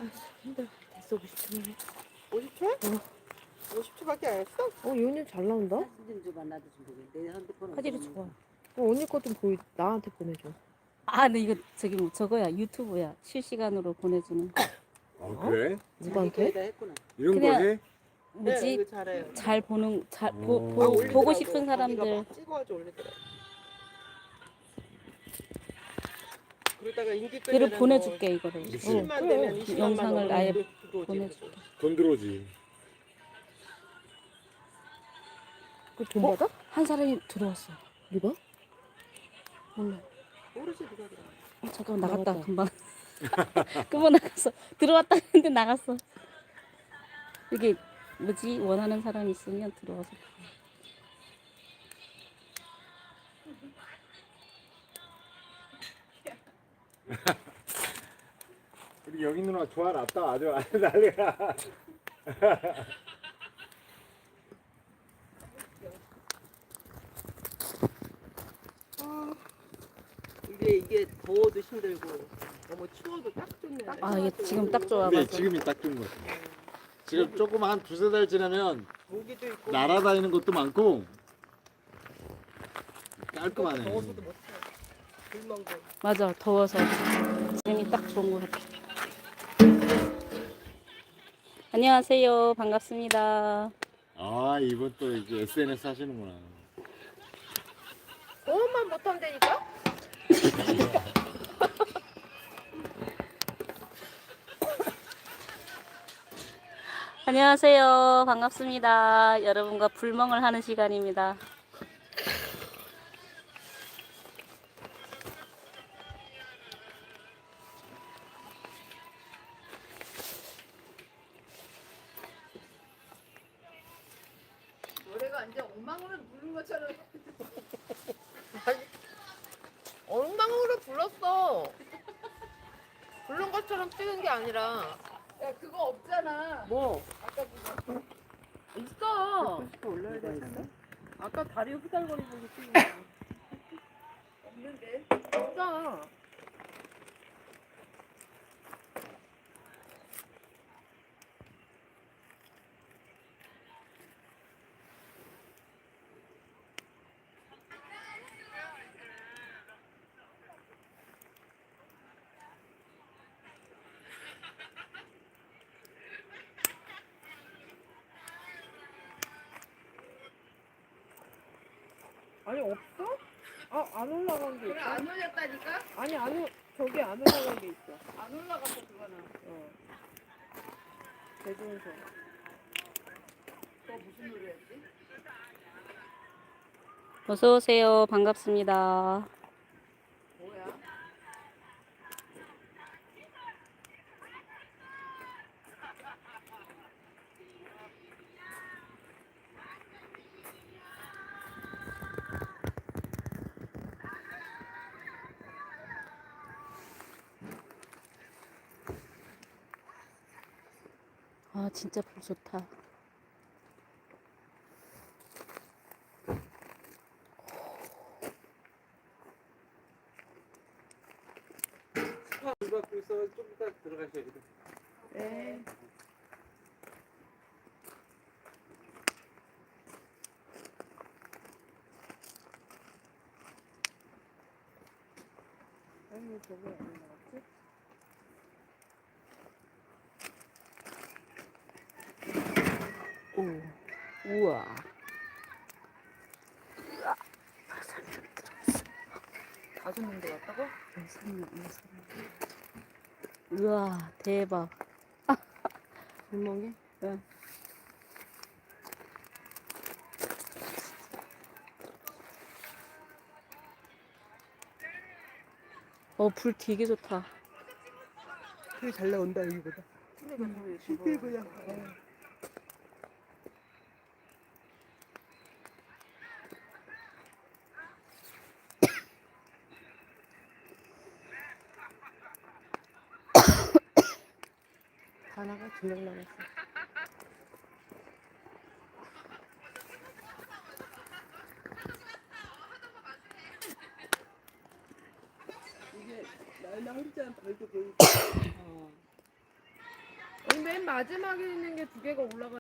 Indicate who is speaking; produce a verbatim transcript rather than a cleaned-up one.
Speaker 1: 힘들어. 됐어, 오십 초면.
Speaker 2: 오십 초?
Speaker 1: 어.
Speaker 2: 오십 초밖에 안 했어?
Speaker 1: 어, 요년 잘 나온다?
Speaker 3: 사진 좀 줘봐. 나도 좀 보게. 내 핸드폰
Speaker 1: 화질이
Speaker 3: 어디로
Speaker 1: 좋아.
Speaker 3: 놓을까?
Speaker 1: 어, 언니 거 좀 보이, 나한테 보내줘.
Speaker 4: 아, 근데 이거 저기 뭐 저거야. 유튜브야. 실시간으로 보내주는 거.
Speaker 5: 아 그래?
Speaker 1: 누구한테?
Speaker 3: 자기 거에다 했구나.
Speaker 5: 이런 거
Speaker 4: 그냥-
Speaker 5: 해?
Speaker 2: 네,
Speaker 4: 뭐지?
Speaker 2: 이거 잘해요.
Speaker 4: 잘 보는 잘 보,
Speaker 5: 어.
Speaker 4: 보,
Speaker 5: 아,
Speaker 4: 보고
Speaker 2: 올리더라고.
Speaker 4: 싶은
Speaker 2: 자기가
Speaker 4: 사람들.
Speaker 2: 막 찍어가지고 올리더라. 그러다가 인기
Speaker 4: 글을
Speaker 2: 끌면은
Speaker 4: 보내줄게 이거를.
Speaker 2: 뭐
Speaker 5: 그치.
Speaker 2: 이십만
Speaker 1: 어,
Speaker 2: 되면
Speaker 1: 그래.
Speaker 2: 이십만만
Speaker 4: 영상을 아예
Speaker 2: 보내줄게.
Speaker 5: 돈 들어오지.
Speaker 1: 그 돈
Speaker 4: 어?
Speaker 1: 받아?
Speaker 4: 한 사람이 들어왔어.
Speaker 1: 누가?
Speaker 4: 몰라.
Speaker 2: 모르지 누가 들어.
Speaker 4: 어, 잠깐만 나갔다.
Speaker 1: 나갔다.
Speaker 4: 금방. 금방 나갔어. 들어왔다 했는데 나갔어. 이게 뭐지? 원하는 사람이 있으면 들어와서.
Speaker 5: 우리 여기 누나 좋아놨다 아주 아주 난리야.
Speaker 2: 이게 이게 더워도 힘들고 너무 추워도 딱 좋네.
Speaker 4: 아, 이게 지금 딱 좋아.
Speaker 5: 근데
Speaker 4: 맞아.
Speaker 5: 지금이 딱 좋은 거 같아. 지금 조금 한 두세 달 지나면
Speaker 2: 모기도 있고
Speaker 5: 날아다니는 것도 많고 깔끔하네.
Speaker 2: 더워서도 못해. 불멍도.
Speaker 4: 맞아. 더워서 지금이 딱 좋은 것 같아. 안녕하세요. 반갑습니다.
Speaker 5: 아 이분 또 이제 에스엔에스 하시는구나.
Speaker 1: 소음만 못하면 되니까?
Speaker 4: 안녕하세요. 반갑습니다. 여러분과 불멍을 하는 시간입니다.
Speaker 6: 노래가 완전 엉망으로 부른 것처럼.
Speaker 1: 엉망으로 불렀어. 부른 것처럼 찍은 게 아니라.
Speaker 6: 야 그거 없잖아.
Speaker 1: 뭐?
Speaker 6: 아까 그거.
Speaker 1: 있어.
Speaker 2: 또 올려야 되겠어?
Speaker 1: 아까 다리 후달거리고 찍은 거.
Speaker 6: 없는데.
Speaker 1: 있어. 아니 없어? 아, 안 올라간 게
Speaker 6: 그래
Speaker 1: 있어.
Speaker 6: 안 올렸다니까?
Speaker 1: 아니 안 올, 저기 안 올라간 게 있어.
Speaker 6: 안 올라갔어 그거는.
Speaker 1: 어. 대중소.
Speaker 6: 그거 무슨 노래였지?
Speaker 4: 어서 오세요. 반갑습니다.
Speaker 6: 뭐야?
Speaker 4: 아, 진짜 불 좋다.
Speaker 2: 물 받고 있어. 좀 이따 들어가셔야 돼.
Speaker 1: 네. 아니 저기 안 올라갔지?
Speaker 4: 오, 우와.
Speaker 1: 다섯 명 들어갔다고?
Speaker 4: 우와, 대박.
Speaker 1: 불멍에?
Speaker 4: 응. 어, 불 되게 좋다.
Speaker 2: 되게 잘 나온다 여기보다. 실제 그냥.
Speaker 1: 하나가 두 명 남았어.
Speaker 2: 이게 날나 혼자 벌도 보이고.
Speaker 4: 어.
Speaker 1: 맨 마지막에 있는 게 두 개가 올라가